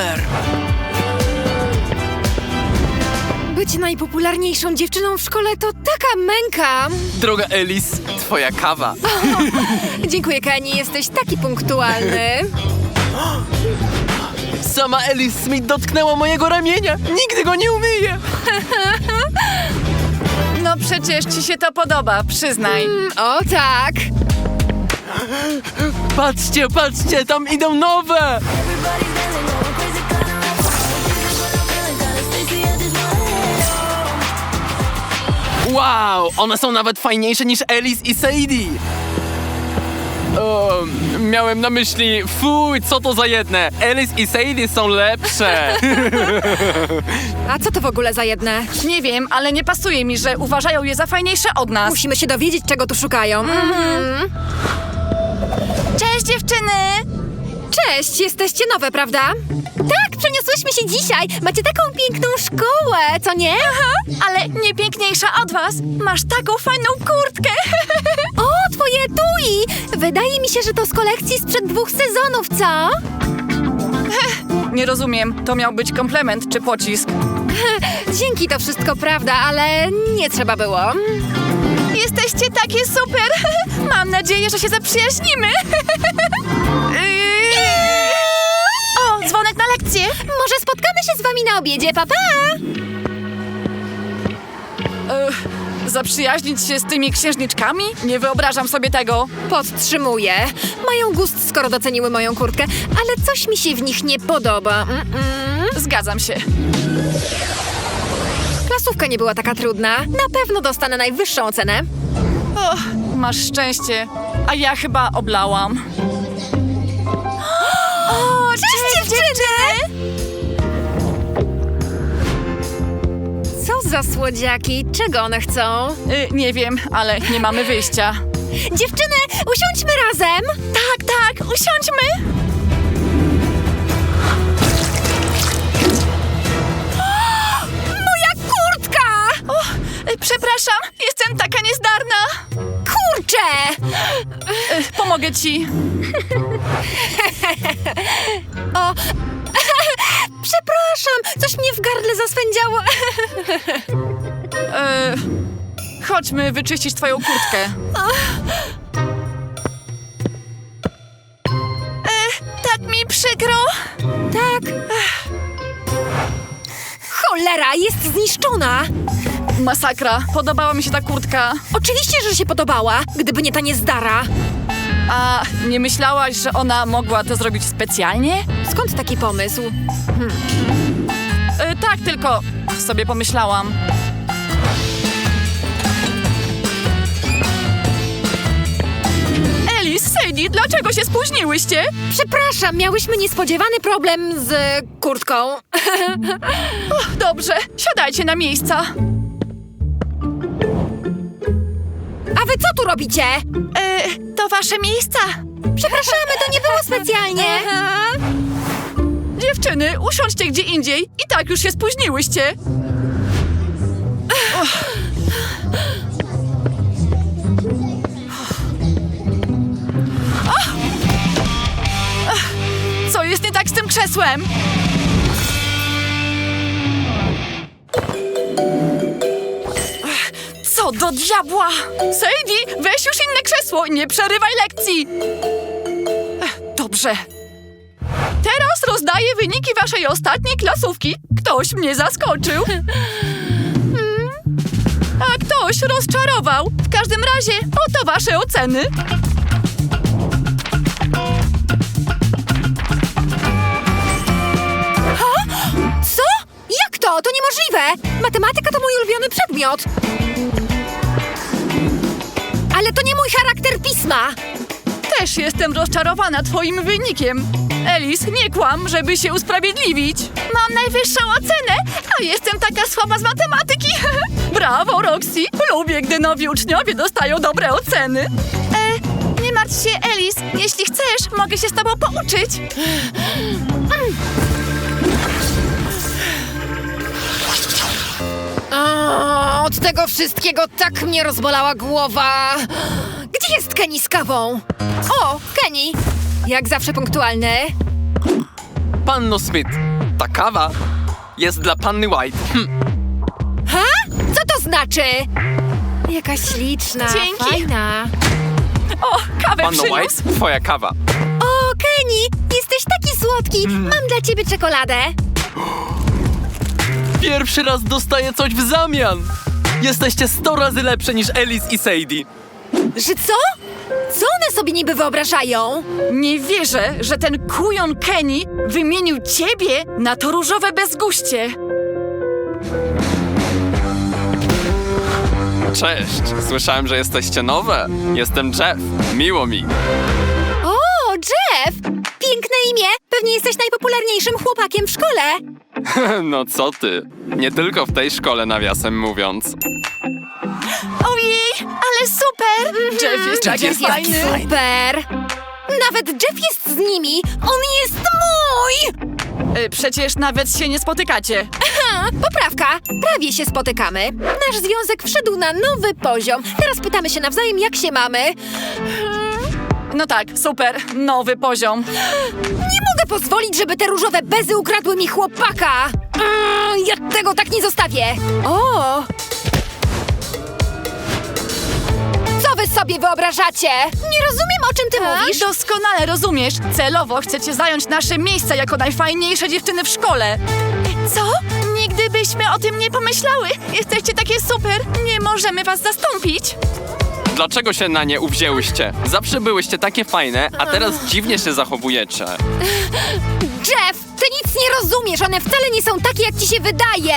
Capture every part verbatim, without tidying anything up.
super! Być najpopularniejszą dziewczyną w szkole to taka męka. Droga Alice, twoja kawa. Dziękuję, Kenny, jesteś taki punktualny. Sama Alice Smith dotknęła mojego ramienia. Nigdy go nie umyję. No przecież ci się to podoba, przyznaj. Mm, o tak. Patrzcie, patrzcie, tam idą nowe. Wow, one są nawet fajniejsze niż Alice i Sadie. O, miałem na myśli, fuj, co to za jedne. Alice i Sadie są lepsze. A co to w ogóle za jedne? Nie wiem, ale nie pasuje mi, że uważają je za fajniejsze od nas. Musimy się dowiedzieć, czego tu szukają. Mhm. Cześć dziewczyny! Cześć, jesteście nowe, prawda? Tak, przeniosłyśmy się dzisiaj. Macie taką piękną szkołę, co nie? Aha, ale nie piękniejsza od was. Masz taką fajną kurtkę. O, twoje tui! Wydaje mi się, że to z kolekcji sprzed dwóch sezonów, co? Nie rozumiem, to miał być komplement czy pocisk? Dzięki, to wszystko prawda, ale nie trzeba było. Jesteście takie super! Mam nadzieję, że się zaprzyjaźnimy! O, dzwonek na lekcję! Może spotkamy się z wami na obiedzie, papa? Ech, zaprzyjaźnić się z tymi księżniczkami? Nie wyobrażam sobie tego. Podtrzymuję. Mają gust, skoro doceniły moją kurtkę, ale coś mi się w nich nie podoba. Mm-mm. Zgadzam się. Klasówka nie była taka trudna. Na pewno dostanę najwyższą ocenę. Och, masz szczęście. A ja chyba oblałam. O, cześć, dziewczyny! Co za słodziaki? Czego one chcą? Y, nie wiem, ale nie mamy wyjścia. Dziewczyny, usiądźmy razem! Tak, tak, usiądźmy! Moja kurtka! O, y, przepraszam, jestem taka niezdarna. Kurczę! Y, pomogę ci. O, przepraszam, coś mnie w gardle zaswędziało. Y, chodźmy wyczyścić twoją kurtkę. Y, tak mi przykro. Tak. Cholera, jest zniszczona. Masakra, podobała mi się ta kurtka. Oczywiście, że się podobała, gdyby nie ta niezdara. A nie myślałaś, że ona mogła to zrobić specjalnie? Skąd taki pomysł? Y, tak, tylko sobie pomyślałam. Alice, Sadie, dlaczego się spóźniłyście? Przepraszam, miałyśmy niespodziewany problem z kurtką. Och, dobrze, siadajcie na miejsca. A wy co tu robicie? Y, to wasze miejsca. Przepraszamy, to nie było specjalnie. Dziewczyny, usiądźcie gdzie indziej. I tak już się spóźniłyście. Och. Ach! Ach, co jest nie tak z tym krzesłem? Ach, co do diabła? Sadie, weź już inne krzesło i nie przerywaj lekcji. Ech, dobrze. Teraz rozdaję wyniki waszej ostatniej klasówki. Ktoś mnie zaskoczył. A ktoś rozczarował. W każdym razie oto wasze oceny. Co? Jak to? To niemożliwe! Matematyka to mój ulubiony przedmiot. Ale to nie mój charakter pisma. Też jestem rozczarowana twoim wynikiem. Alice, nie kłam, żeby się usprawiedliwić. Mam najwyższą ocenę, a jestem taka słaba z matematyki. Brawo, Roxy. Lubię, gdy nowi uczniowie dostają dobre oceny. E, nie martw się, Alice. Jeśli chcesz, mogę się z tobą pouczyć. O, od tego wszystkiego tak mnie rozbolała głowa. Gdzie jest Kenny z kawą? O, Kenny. Jak zawsze punktualny. Panno Smith, Ta kawa jest dla panny White. Hm. Ha? Co to znaczy? Jaka śliczna, Dzięki. fajna. O, kawę Panno przyniósł. White, twoja kawa. O, Kenny, jesteś taki słodki. Mam dla ciebie czekoladę. Pierwszy raz dostaję coś w zamian. Jesteście sto razy lepsze niż Alice i Sadie. Że co? Co one sobie niby wyobrażają? Nie wierzę, że ten kujon Kenny wymienił ciebie na to różowe bezguście. Cześć, słyszałem, że jesteście nowe. Jestem Jeff, miło mi. O, Jeff! Piękne imię. Pewnie jesteś najpopularniejszym chłopakiem w szkole. No co ty? Nie tylko w tej szkole, nawiasem mówiąc. Ojej, ale super! Jeff jest taki jest taki fajny. fajny. Super! Nawet Jeff jest z nimi! On jest mój! Y, Przecież nawet się nie spotykacie. Ha, poprawka! Prawie się spotykamy. Nasz związek wszedł na nowy poziom. Teraz pytamy się nawzajem, jak się mamy. No tak, super, nowy poziom. Nie mogę pozwolić, żeby te różowe bezy ukradły mi chłopaka! Mm, ja tego tak nie zostawię! O! Co wy sobie wyobrażacie? Nie rozumiem, o czym ty mówisz. Doskonale rozumiesz. Celowo chcecie zająć nasze miejsca jako najfajniejsze dziewczyny w szkole. Co? Nigdy byśmy o tym nie pomyślały. Jesteście takie super. Nie możemy was zastąpić. Dlaczego się na nie uwzięłyście? Zawsze byłyście takie fajne, a teraz dziwnie się zachowujecie. Jeff, ty nic nie rozumiesz. One wcale nie są takie, jak ci się wydaje.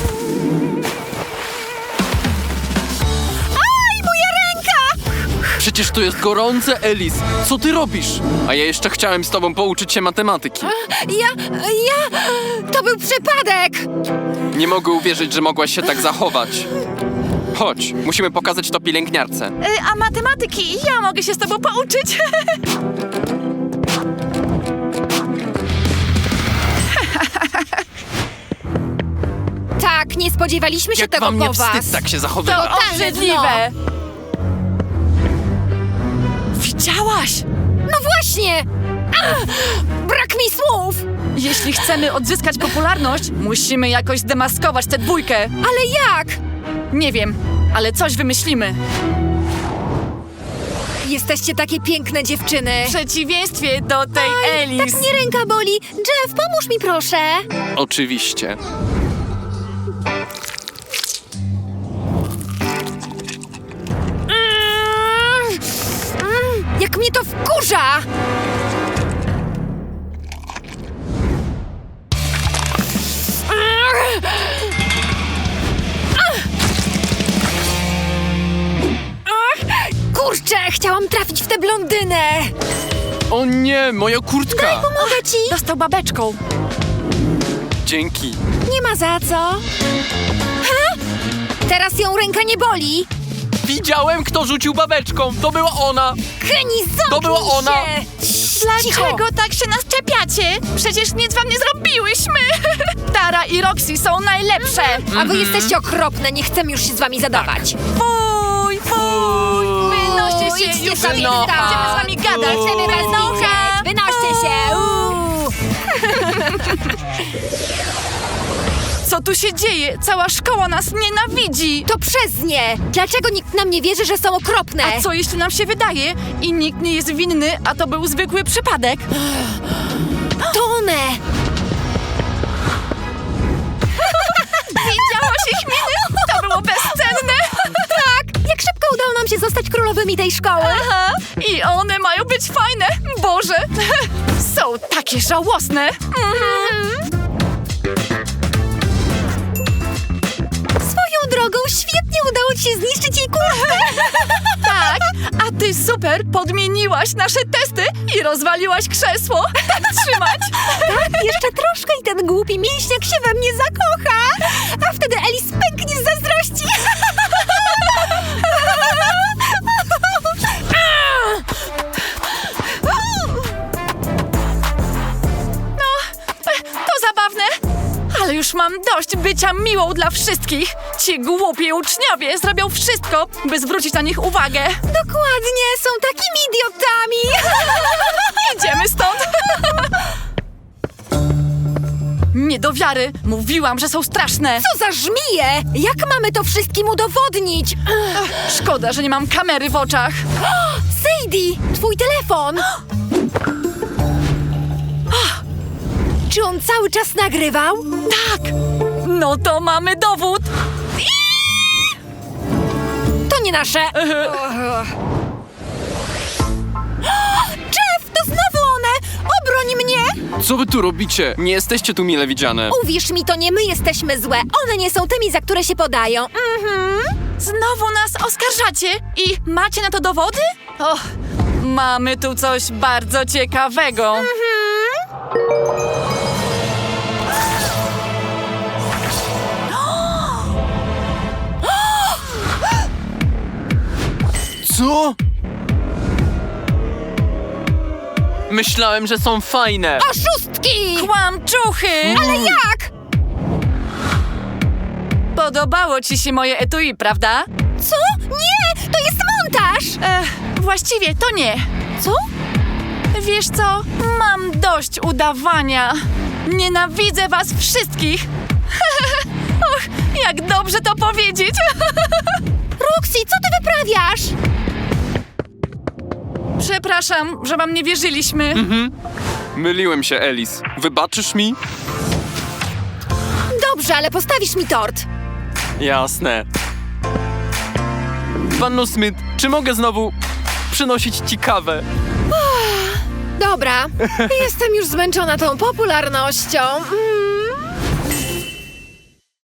Aj, moja ręka! Przecież tu jest gorące, Alice. Co ty robisz? A ja jeszcze chciałem z tobą pouczyć się matematyki. Ja, ja... To był przypadek! Nie mogę uwierzyć, że mogłaś się tak zachować. Chodź, musimy pokazać to pielęgniarce. Y, a matematyki ja mogę się z tobą pouczyć. Tak, nie spodziewaliśmy się Jak tego wam nie po was. wstyd tak się To zachowywać? obrzydliwe. Widziałaś? No właśnie! Ach, brak mi słów! Jeśli chcemy odzyskać popularność, musimy jakoś zdemaskować tę dwójkę. Ale jak? Nie wiem, ale coś wymyślimy. Jesteście takie piękne dziewczyny. W przeciwieństwie do tej Aj, Alice. tak mnie ręka boli. Jeff, pomóż mi proszę. Oczywiście. Mm, mm, jak mnie to wkurza! Ach, kurczę, chciałam trafić w tę blondynę. O nie, moja kurtka! Pomogę ci. Dostał babeczką. Dzięki. Nie ma za co. Ha? Teraz ją ręka nie boli. Widziałem, kto rzucił babeczką. To była ona. Kenny, zamknij To była ona. się! Dlaczego tak się nas czepiacie? Przecież nic wam nie zrobiłyśmy. Tara i Roxy są najlepsze. A wy jesteście okropne, nie chcemy już się z wami zadawać. Fuj, fuj. Wynoście się Idźcie już. sobie Wynocha. stąd. Będziemy z wami gadać. Nie chcemy was Wynocha. widzieć. Wynoście się. Uuu. Co tu się dzieje? Cała szkoła nas nienawidzi. To przez nie. Dlaczego nikt nam nie wierzy, że są okropne? A co jeśli nam się wydaje i nikt nie jest winny, a to był zwykły przypadek? To one. Widziałaś ich miny? To było bezcenne. Tak, jak szybko udało nam się zostać królowymi tej szkoły. Aha. I one mają być fajne. Boże, są takie żałosne. Mhm. Swoją drogą świetnie udało ci się zniszczyć jej kurtkę. Tak, a ty super podmieniłaś nasze testy i rozwaliłaś krzesło. Tak trzymać. Tak, jeszcze troszkę i ten głupi mięśniak się we mnie zakocha. A wtedy Alice pęknie z zazdrości. To zabawne. Ale już mam dość bycia miłą dla wszystkich. Ci głupi uczniowie zrobią wszystko, by zwrócić na nich uwagę. Dokładnie, są takimi idiotami. Idziemy stąd. Nie do wiary! Mówiłam, że są straszne! Co za żmije! Jak mamy to wszystkim udowodnić? Ech. Szkoda, że nie mam kamery w oczach. Sadie, twój telefon! Czy on cały czas nagrywał? Tak! No to mamy dowód! To nie nasze! Jeff, to znowu one! Obroń mnie! Co wy tu robicie? Nie jesteście tu mile widziane. Uwierz mi, to nie my jesteśmy złe. One nie są tymi, za które się podają. Mhm. Znowu nas oskarżacie? I macie na to dowody? Och, mamy tu coś bardzo ciekawego. Co? Myślałem, że są fajne. Oszustki! Kłamczuchy! Ale jak? Podobało ci się moje etui, prawda? Co? Nie! To jest montaż! Ech, właściwie to nie. Co? Wiesz co? Mam dość udawania. Nienawidzę was wszystkich. Och, jak dobrze to powiedzieć. Roxy, co ty wyprawiasz? Przepraszam, że wam nie wierzyliśmy. Myliłem się, Alice. Wybaczysz mi? Dobrze, ale postawisz mi tort. Jasne. Panno Smith, czy mogę znowu przynosić ci kawę? Dobra, jestem już zmęczona tą popularnością. Mm.